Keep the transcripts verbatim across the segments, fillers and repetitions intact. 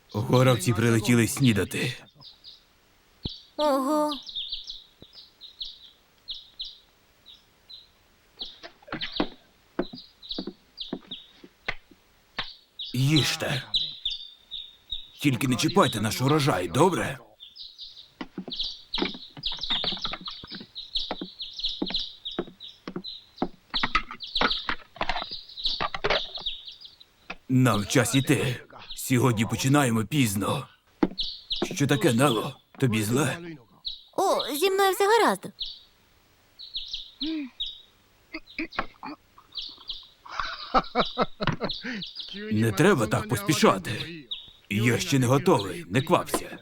Горобці прилетіли снідати. Ого. Їжте. Тільки не чіпайте наш урожай, добре? Нам час іти. Сьогодні починаємо пізно. Що таке, Нело? Тобі зле? О, зі мною все гаразд. Не треба так поспішати. Я ще не готовий, не квапся.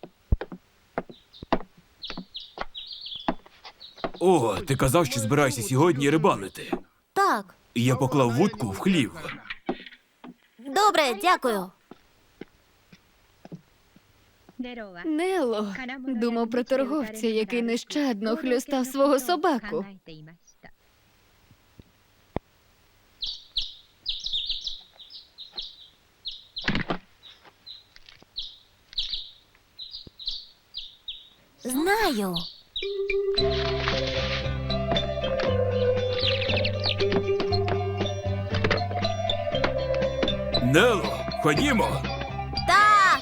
О, ти казав, що збираєшся сьогодні рибалити. Так. Я поклав вудку в хлів. Добре, дякую. Нело думав про торговця, який нещадно хлюстав свого собаку. Знаю. Нело, ходімо. Так.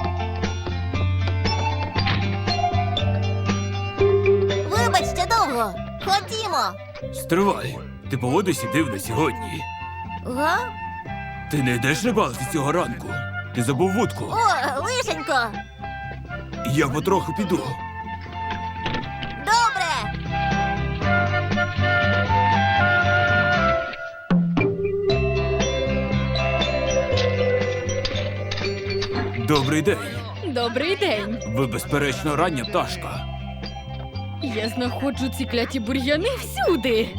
Вибач, ще довго. Ходімо. Стривай. Ти поводишся дивно сьогодні. Га? Ти не йдеш рибалити цього ранку? Ти забув вудку. О, лишенько. Я потроху піду. Добре. Добрий день. Добрий день. Ви, безперечно, рання пташка. Я знаходжу ці кляті бур'яни всюди.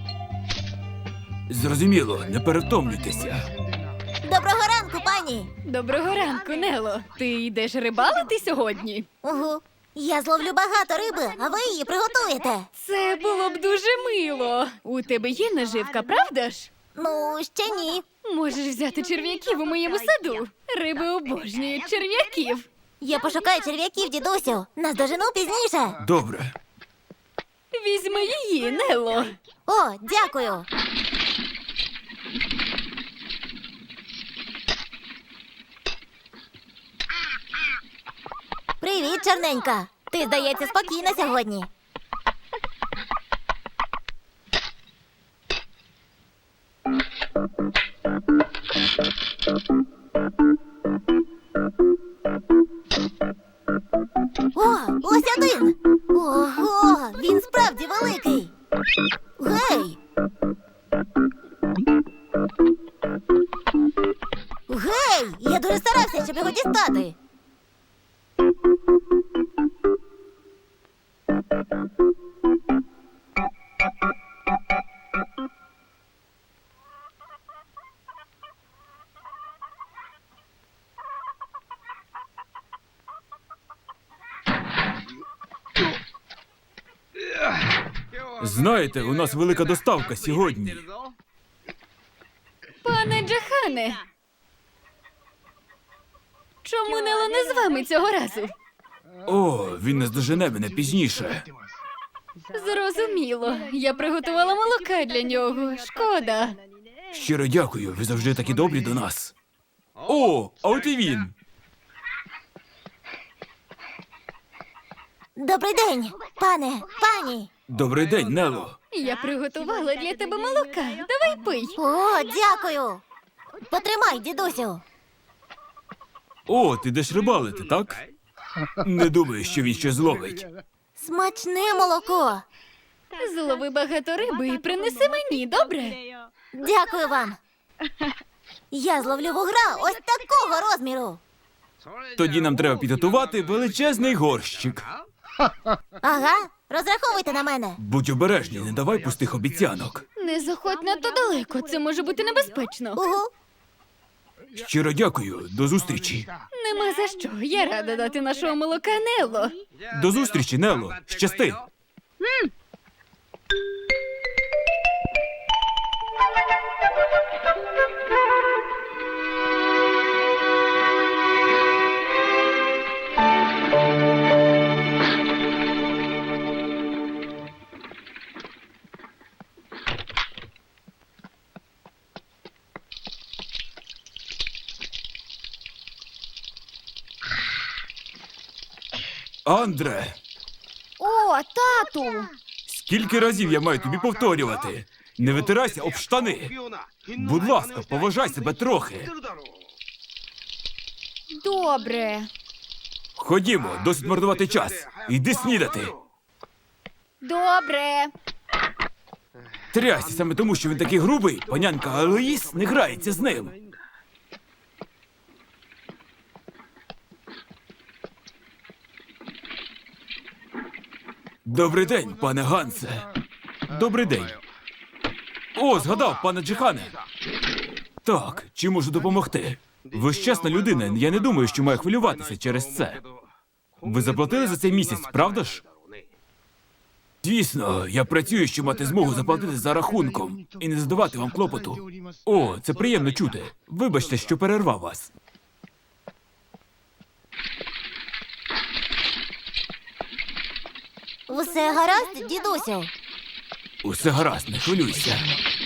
Зрозуміло, не перевтомлюйтеся. Доброго ранку, пані. Доброго ранку, Нело. Ти йдеш рибалити сьогодні? Угу. Я зловлю багато риби, а ви її приготуєте. Це було б дуже мило. У тебе є наживка, правда ж? Ну, ще ні. Можеш взяти черв'яків у моєму саду. Риби обожнюють черв'яків. Я пошукаю черв'яків, дідусю. Наздожену пізніше. Добре. Візьми її, Нело. О, дякую. Привіт, чорненька. Ти, здається, спокійна сьогодні. О, ось один. Ого, він справді великий. Гей. Гей, я дуже старався, щоб його дістати. Знаєте, у нас велика доставка сьогодні. Пане Джахане. Чому Нело не з вами цього разу? О, він наздожене мене пізніше. Зрозуміло. Я приготувала молока для нього. Шкода. Щиро дякую, ви завжди такі добрі до нас. О, а от і він. Добрий день, пане, пані. Добрий день, Нело. Я приготувала для тебе молока. Давай пий. О, дякую. Потримай, дідусю. О, ти йдеш рибалити, так? Не думаю, що він щось зловить. Смачне молоко. Злови багато риби і принеси мені, добре? Дякую вам. Я зловлю вугра ось такого розміру. Тоді нам треба підготувати величезний горщик. Ага, розраховуйте на мене. Будь обережний, не давай пустих обіцянок. Не заходь надто далеко, це може бути небезпечно. Угу. Щиро дякую, до зустрічі. Нема за що. Я рада дати нашого молока Нело. До зустрічі, Нело. Щасти. Андре, О, тату! скільки разів я маю тобі повторювати? Не витирайся об штани. Будь ласка, поважай себе трохи. Добре. Ходімо, досить марнувати час. Йди снідати. Добре. Трясся, саме тому, що він такий грубий, панянка Алоїс не грається з ним. Добрий день, пане Гансе. Добрий день. О, згадав, пане Джихане. Так, чи можу допомогти? Ви ж чесна людина, я не думаю, що маю хвилюватися через це. Ви заплатили за цей місяць, правда ж? Звісно, я працюю, щоб мати змогу заплатити за рахунком і не задавати вам клопоту. О, це приємно чути. Вибачте, що перервав вас. Усе гаразд, дідусю? Усе гаразд, не хвилюйся.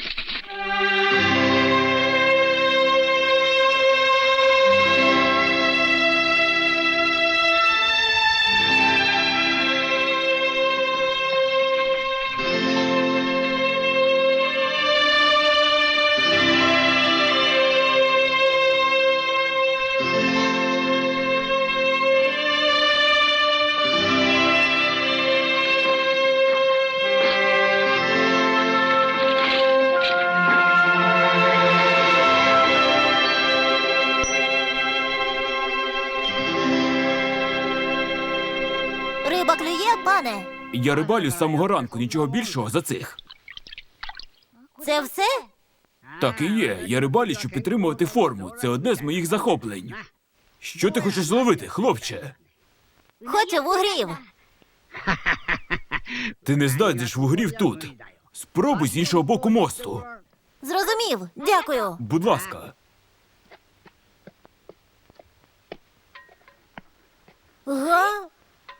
Риба клює, пане? Я рибалю з самого ранку, нічого більшого за цих. Це все? Так і є. Я рибалю, щоб підтримувати форму. Це одне з моїх захоплень. Що ти хочеш зловити, хлопче? Хочу вугрів. Ти не знайдеш вугрів тут. Спробуй з іншого боку мосту. Зрозумів, дякую. Будь ласка. Га?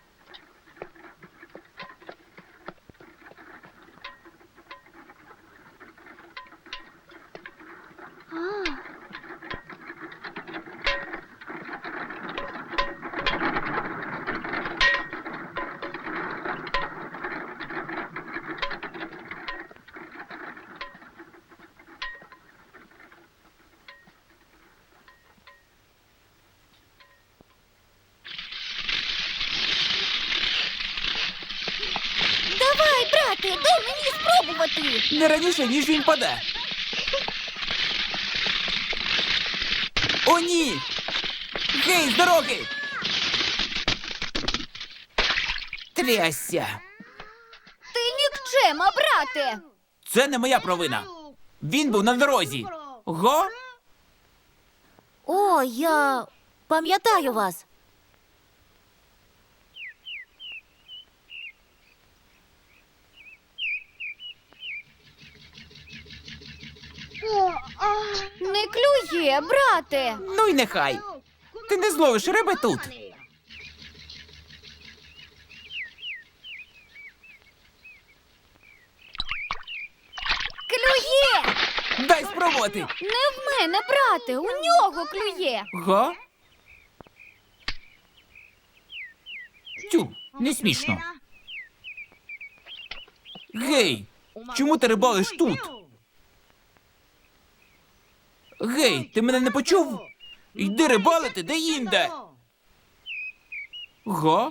Давай, брате, дай мені спробувати. Не раніше, ніж він паде. О, ні! Гей, з дороги! Трясся! Ти нікчема, брате! Це не моя провина. Він був на дорозі. Го? О, я пам'ятаю вас. Не клює, брате! Ну й нехай. Ти не зловиш риби тут. Клює! Дай спробувати. Не в мене, брате! У нього клює! Го? Тю, не смішно. Гей, чому ти рибалиш тут? Гей, ти мене не почув? Йди рибалити де-інде. Го?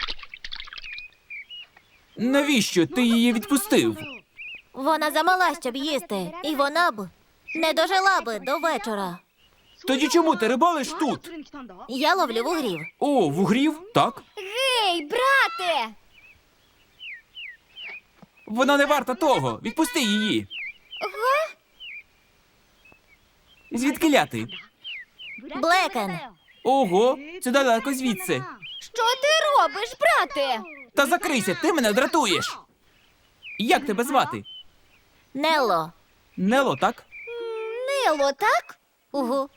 Навіщо ти її відпустив? Вона замала, щоб їсти, і вона б не дожила би до вечора. Тоді чому ти рибалиш тут? Я ловлю вугрів. О, вугрів? Так. Гей, брате! Вона не варта того. Відпусти її. Звідки ти? Блекен. Ого, це далеко звідси. Що ти робиш, брате? Та закрийся, ти мене дратуєш. Як тебе звати? Нелло. Нело, так? Нело, так? Угу.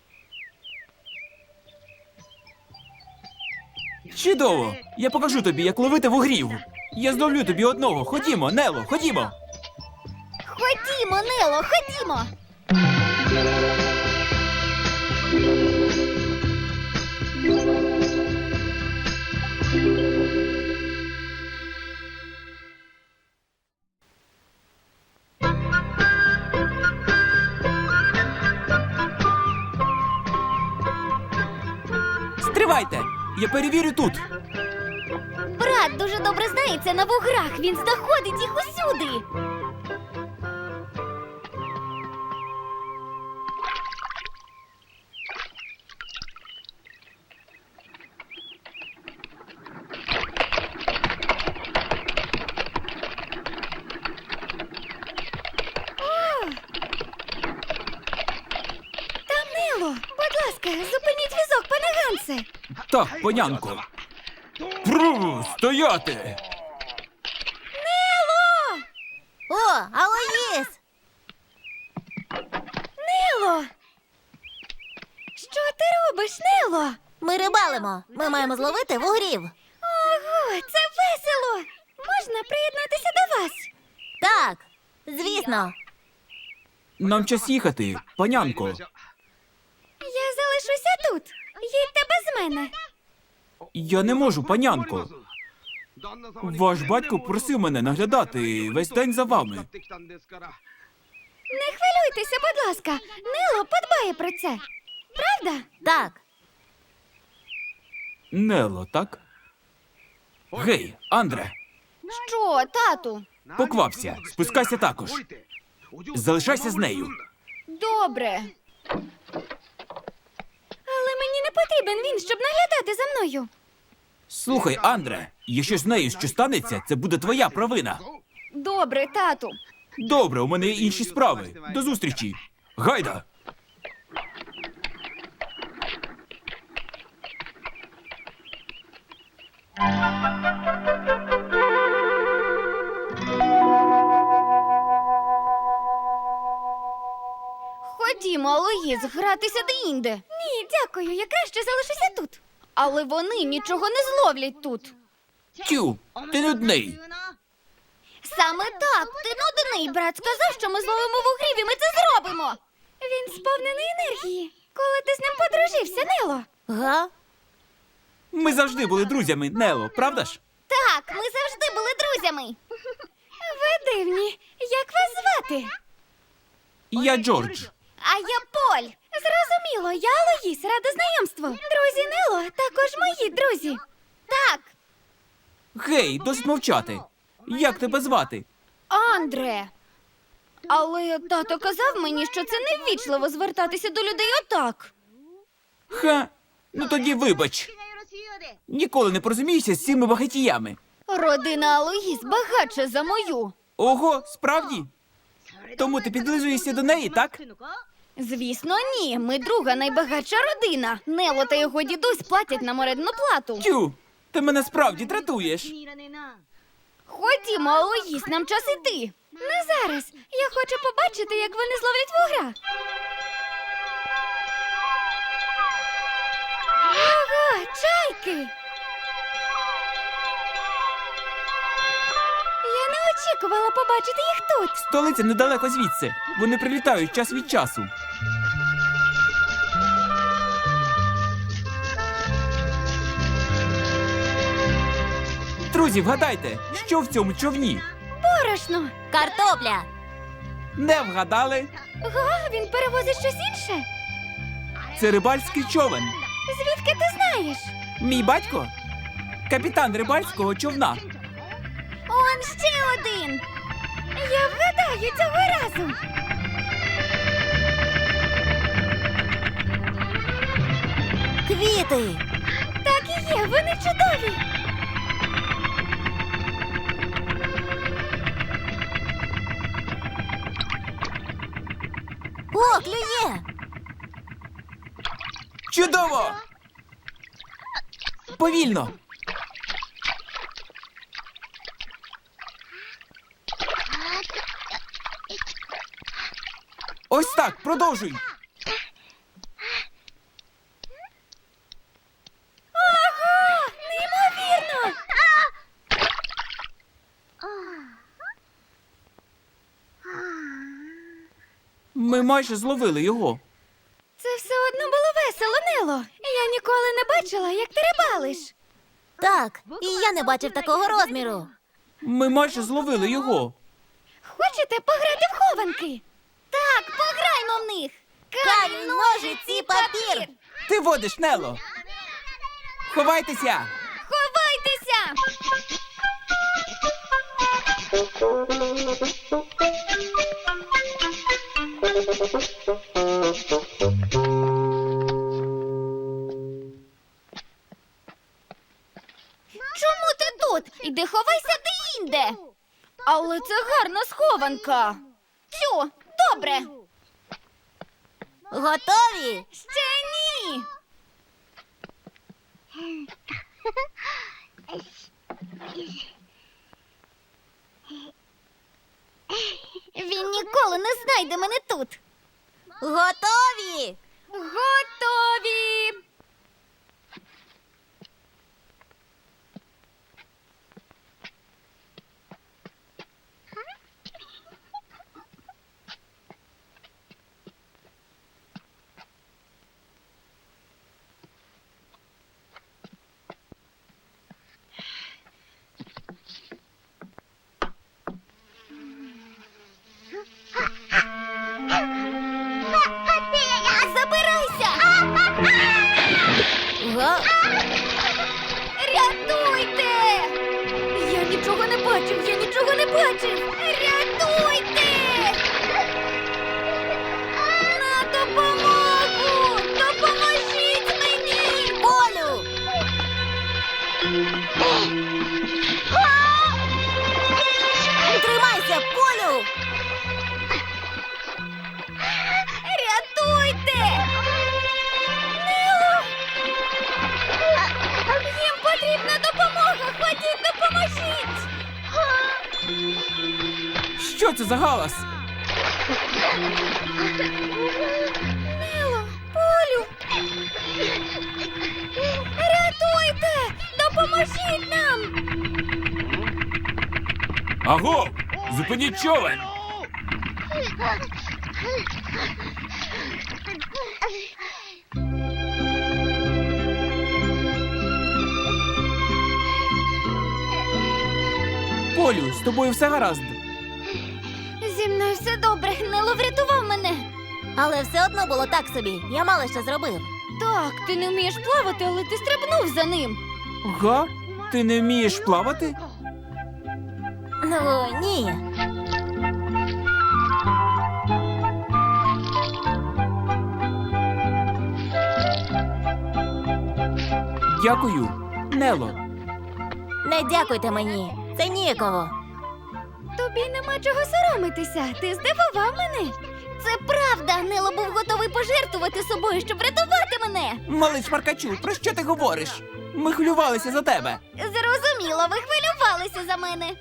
Чудово! Я покажу тобі, як ловити вугрів. Я зловлю тобі одного. Ходімо, Нело, ходімо. Ходімо, Нело, ходімо! Стривайте! Я перевірю тут. Брат дуже добре знається на вуграх. Він знаходить їх усюди. Там Нело. Будь ласка, зупиніть візок, пане Гансе. Так, панянко. Пру, стояти! О, Алоїс! Нело! Що ти робиш, Нело? Ми рибалимо. Ми маємо зловити вугрів. Ого, це весело! Можна приєднатися до вас? Так, звісно. Нам час їхати, панянко. Я залишуся тут. Їдьте без мене. Я не можу, панянко. Ваш батько просив мене наглядати весь день за вами. Не хвилюйтеся, будь ласка. Нело подбає про це. Правда? Так. Нело, так? Гей, Андре, Що, тату? поквапся, спускайся також. Залишайся з нею. Добре. Але мені не потрібен він, щоб наглядати за мною. Слухай, Андре, якщо з нею що станеться, це буде твоя провина. Добре, тату. Добре, у мене є інші справи. До зустрічі. Гайда! Ходімо, Алоїз, гратися де-інде. Ні, дякую, я краще залишуся тут. Але вони нічого не зловлять тут. Тю, ти нудний. Саме так, ти нудний. Брат сказав, що ми зловимо вугрів і ми це зробимо. Він сповнений енергії. Коли ти з ним подружився, Нело? Га? Ми завжди були друзями, Нело, правда ж? Так, ми завжди були друзями. Ви дивні. Як вас звати? Я Джордж. А я Поль. Зрозуміло, я Алоїс, рада знайомству. Друзі Нело також мої друзі. Так, Гей, досить мовчати. Як тебе звати? Андре. Але тато казав мені, що це неввічливо звертатися до людей отак. Ха, ну тоді вибач. Ніколи не порозуміюся з цими багатіями. Родина Алоїс багатша за мою. Ого, справді? Тому ти підлизуєшся до неї, так? Звісно, ні. Ми друга найбагатша родина. Нело та його дідусь платять нам орендну плату. Тю, ти мене справді дратуєш. Ходімо, Алоїс, нам час іти. Не зараз. Я хочу побачити, як вони зловлять вугра. Ого, чайки! Я не очікувала побачити їх тут. Столиця недалеко звідси. Вони прилітають час від часу. Друзі, вгадайте, що в цьому човні? Борошно. Картопля. Не вгадали? Га, він перевозить щось інше. Це рибальський човен. Звідки ти знаєш? Мій батько – капітан рибальського човна. Он ще один. Я вгадаю цього разу. Квіти. Так і є, вони чудові. О, клює. Чудово! Повільно! Ось так, продовжуй! Ого! Неймовірно! Ми майже зловили його. Це все одно було весело, Нело. Я ніколи не бачила, як ти рибалиш. Так, і я не бачив такого розміру. Ми майже зловили його. Хочете пограти в хованки? Так, пограймо в них. Камінь, ножиці, папір. Ти водиш, Нело. Ховайтеся! Ховайтеся! Чому ти тут? Іди ховайся де-інде. Але це гарна схованка. Тю, добре. Готові? Ще ні. Він ніколи не знайде мене тут. Готові? Готові. Забирайся! Га? Рятуйте! Я нічого не бачив, я нічого не бачив! Рятуйте! На допомогу! Допоможіть мені! Полю! Тримайся, Полю! Рятуйте! Нело! Їм потрібна допомога! Ходіть, допоможіть! Що це за галас? Нело! Полю! Рятуйте! Допоможіть нам! Аго! Зупиніть човен! Полю, з тобою все гаразд. Зі мною все добре. Нело врятував мене. Але все одно було так собі. Я мало що зробив. Так, ти не вмієш плавати, але ти стрибнув за ним. Га? Ти не вмієш плавати? Ну, ні. Дякую, Нело. Не дякуйте мені. Це ніяково. Тобі нема чого соромитися. Ти здивував мене. Це правда. Нело був готовий пожертвувати собою, щоб врятувати мене. Малий шмаркачу, про що ти говориш? Ми хвилювалися за тебе. Зрозуміло, ви хвилювалися за мене.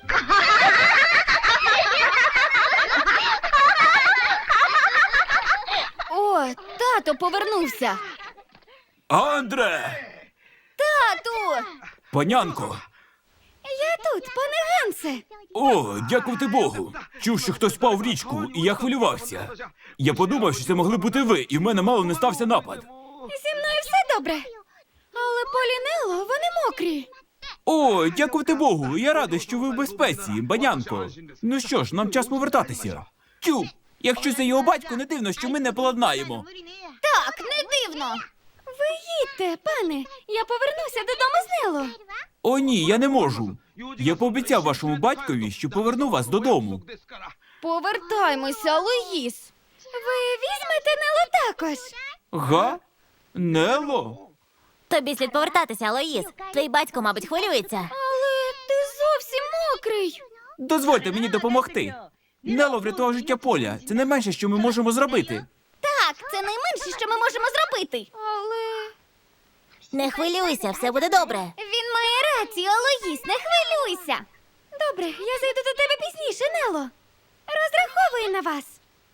О, тато повернувся. Андре! Тату! Панянко! Я тут, пане Гансе. О, дякувати Богу! Чув, що хтось впав в річку, і я хвилювався. Я подумав, що це могли бути ви, і в мене мало не стався напад. Зі мною все добре. Але Полінело, вони мокрі. О, дякувати Богу! Я радий, що ви в безпеці, банянко. Ну що ж, нам час повертатися. Тю, якщо це його батько, не дивно, що ми не поладнаємо. Так, не дивно. Ви їдьте, пане. Я повернуся додому з Нело. О, ні, я не можу. Я пообіцяв вашому батькові, що поверну вас додому. Повертаймося, Луїс. Ви візьмете Нело також. Га? Нело? Тобі слід повертатися, Алоїс. Твій батько, мабуть, хвилюється. Але ти зовсім мокрий. Дозвольте мені допомогти. Нело врятував життя Поля. Це найменше, що ми можемо зробити. Так, це найменше, що ми можемо зробити. Але Не хвилюйся, все буде добре. він має рацію, Алоїс, не хвилюйся. Добре, я зайду до тебе пізніше, Нело. Розраховую на вас.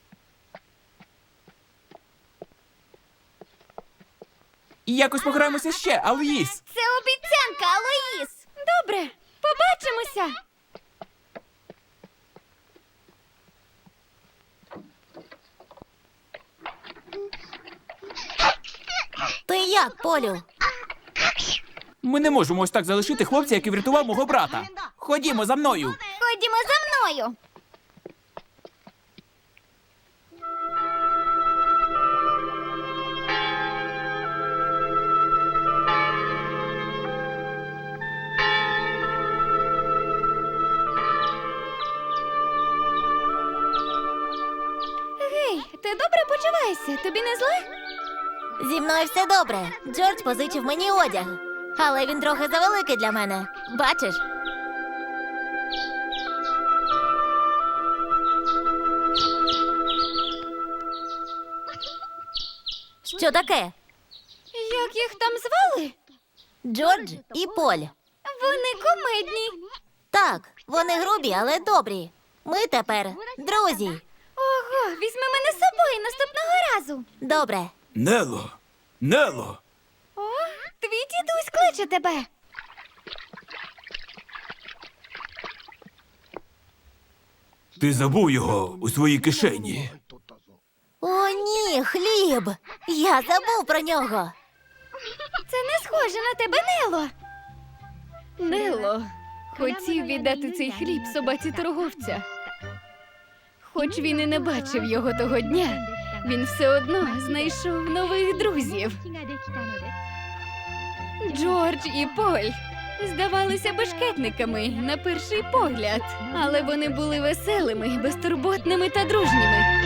І якось пограємося ще, Алоїс. Це обіцянка, Алоїс. Добре, побачимося. Ти як, Полю? Ми не можемо ось так залишити хлопця, який врятував мого брата. Ходімо за мною. Ходімо за мною. почувайся? Тобі не зле? Зі мною все добре. Джордж позичив мені одяг. Але він трохи завеликий для мене. Бачиш? Що таке? Як їх там звали? Джордж і Поль. Вони кумедні. Так, вони грубі, але добрі. Ми тепер друзі. Ого, візьми мене з собою наступного разу. Добре. Нело! Нело! О, твій дідусь кличе тебе. Ти забув його у своїй кишені. О, ні, хліб. Я забув про нього. Це не схоже на тебе, Нело. Нело хотів віддати цей хліб собаці торговця. Хоч він і не бачив його того дня, він все одно знайшов нових друзів. Джордж і Поль здавалися бешкетниками на перший погляд, але вони були веселими, безтурботними та дружніми.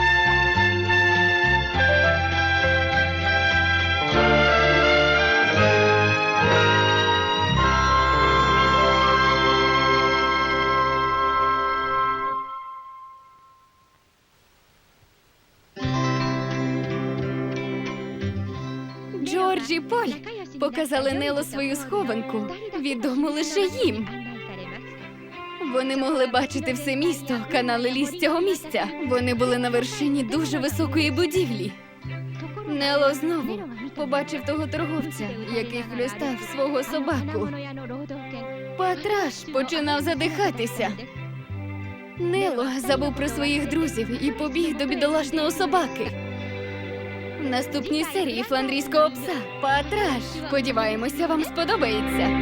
Джордж і Поль показали Нело свою схованку, відому лише їм. Вони могли бачити все місто, канали ліс цього місця. Вони були на вершині дуже високої будівлі. Нело знову побачив того торговця, який хлюстав свого собаку. Патраш починав задихатися. Нело забув про своїх друзів і побіг до бідолашного собаки. В наступній серії фландрійського пса Патраш. Сподіваємося, вам сподобається.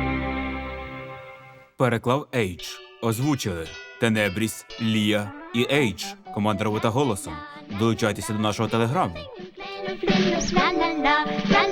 Переклав Ейдж. Озвучили Тенебріс, Лія і Ейдж. Команда робота голосом. Долучайтеся до нашого телеграму. La la la, la